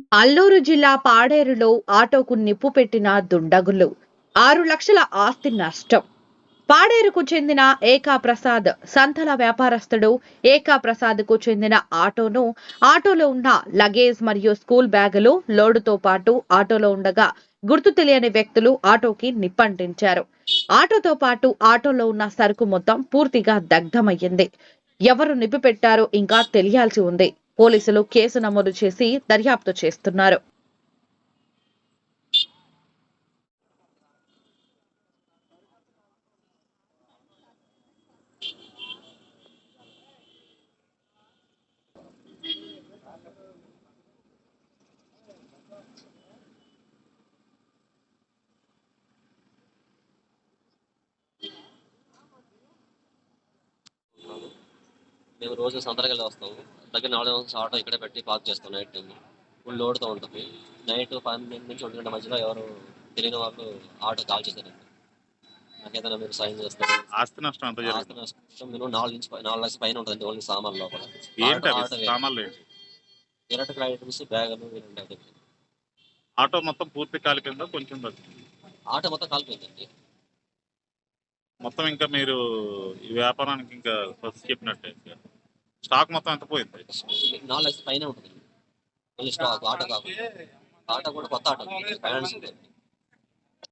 అల్లూరు జిల్లా పాడేరులో ఆటోకు నిప్పు పెట్టిన దుండగులు 6 లక్షల ఆస్తి నష్టం. పాడేరుకు చెందిన ఏకా ప్రసాద్ సంతల వ్యాపారస్తుడు. ఏకా ప్రసాద్ కు చెందిన ఆటోలో ఉన్న లగేజ్ మరియు స్కూల్ బ్యాగులు లోడుతో పాటు ఆటోలో ఉండగా గుర్తు తెలియని వ్యక్తులు ఆటోకి నిప్పంటించారు. ఆటోతో పాటు ఆటోలో ఉన్న సరుకు మొత్తం పూర్తిగా దగ్ధమయ్యింది. ఎవరు నిప్పు పెట్టారో ఇంకా తెలియాల్సి ఉంది. పోలీసులు కేసు నమోదు చేసి దర్యాప్తు చేస్తున్నారు. మేము రోజు సంతకెళ్ళి వస్తాము. దగ్గర 4 అవర్స్ ఆటో ఇక్కడే పెట్టి పార్క్ చేస్తాం నైట్ టైం. ఫుల్ లోడ్తో ఉంటుంది. నైట్ 12 నుంచి 1 గంట మధ్యలో ఎవరు తెలియని వాళ్ళు ఆటో కాల్ చేశారండి. నాకేదైనా మీరు సాయం చేస్తారు. ఆస్తి నష్టం ఎంత ఆస్తి జరిగింది? నష్టం మినిమం 4 లక్షల పైన ఉంటుందండి ఓన్లీ సామాన్లు లోపల. ఏంటి అవి ఆటో సామాన్లు ఏంటి? ఎలక్ట్రికల్ ఐటమ్స్, బ్యాగులు ఇలాంటి. ఆటో మొత్తం పూర్తి కాలిపోయిందా కొంచెం తగ్గింది? ఆటో మొత్తం కాలిపోయిందండి. మొత్తం ఇంకా మీరు ఈ వ్యాపారానికి ఇంకా ఫస్ట్ చెప్పినట్టే ఇంకా స్టాక్ మొత్తం ఎంత పోయింది? 4 లక్షల పైన ఉంటుంది ఓన్లీ స్టాక్. ఆటో కాకుండా ఆటో కూడా కొత్త ఆటో ఫైనాన్స్ ఉంటుంది.